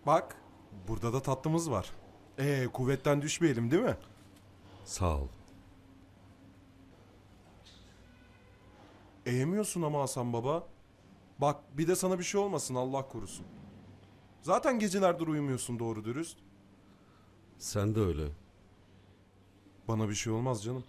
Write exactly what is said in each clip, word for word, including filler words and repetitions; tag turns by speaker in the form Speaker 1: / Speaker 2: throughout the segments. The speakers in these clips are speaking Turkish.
Speaker 1: Bak, burada da tatlımız var. Ee, kuvvetten düşmeyelim değil mi?
Speaker 2: Sağ ol.
Speaker 1: Eğemiyorsun ama Hasan baba. Bak, bir de sana bir şey olmasın Allah korusun. Zaten gecelerdir uyumuyorsun doğru dürüst.
Speaker 2: Sen de öyle.
Speaker 1: Bana bir şey olmaz canım.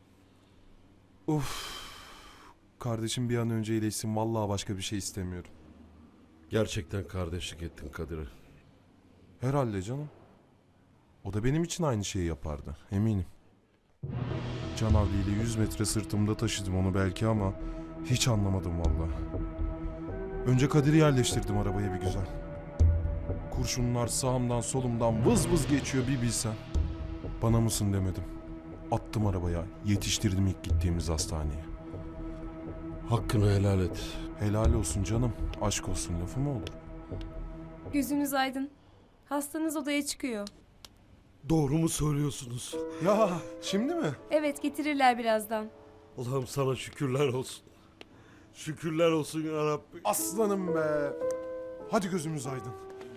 Speaker 1: Uf. Kardeşim bir an önce iyileşsin. Vallahi başka bir şey istemiyorum.
Speaker 2: Gerçekten kardeşlik ettin Kadir'e.
Speaker 1: Herhalde canım. O da benim için aynı şeyi yapardı. Eminim. Can havliyle yüz metre sırtımda taşıdım onu belki ama hiç anlamadım vallahi. Önce Kadir'i yerleştirdim arabaya bir güzel. Kurşunlar sağımdan solumdan vız vız geçiyor bir bilsen. Bana mısın demedim. Attım arabaya, yetiştirdim ilk gittiğimiz hastaneye.
Speaker 2: Hakkını helal et.
Speaker 1: Helal olsun canım, aşk olsun lafı mı olur?
Speaker 3: Gözünüz aydın. Hastanız odaya çıkıyor.
Speaker 2: Doğru mu söylüyorsunuz?
Speaker 1: Ya şimdi mi?
Speaker 3: Evet, getirirler birazdan.
Speaker 2: Allah'ım sana şükürler olsun. Şükürler olsun ya Rabbi.
Speaker 1: Aslanım be. Hadi gözümüz aydın.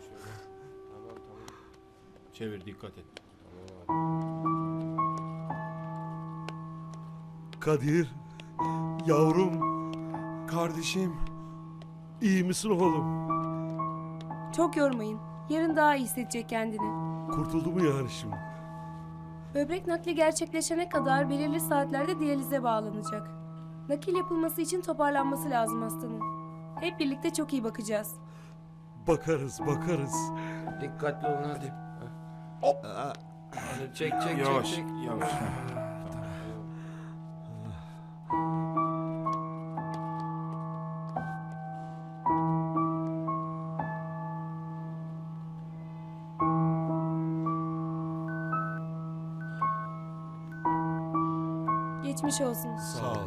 Speaker 4: Çevir, dikkat et.
Speaker 2: Kadir, yavrum,
Speaker 1: Kardeşim.
Speaker 2: iyi misin oğlum?
Speaker 3: Çok yormayın. Yarın daha iyi hissedecek kendini.
Speaker 2: Kurtuldu mu yani şimdi?
Speaker 3: Böbrek nakli gerçekleşene kadar belirli saatlerde diyalize bağlanacak. Nakil yapılması için toparlanması lazım hastanın. Hep birlikte çok iyi bakacağız.
Speaker 2: Bakarız, bakarız.
Speaker 5: Dikkatli olun hadi.
Speaker 1: Hop.
Speaker 5: Hadi çek çek
Speaker 4: Yavaş,
Speaker 5: çek çek.
Speaker 4: yavaş.
Speaker 3: Geçmiş olsun.
Speaker 2: Sağ ol.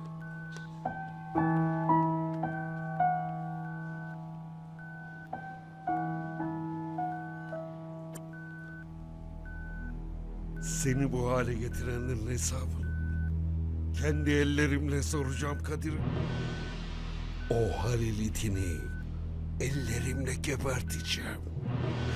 Speaker 2: Seni bu hale getirenlerin hesabını kendi ellerimle soracağım Kadir. O Halil itini ellerimle geberteceğim.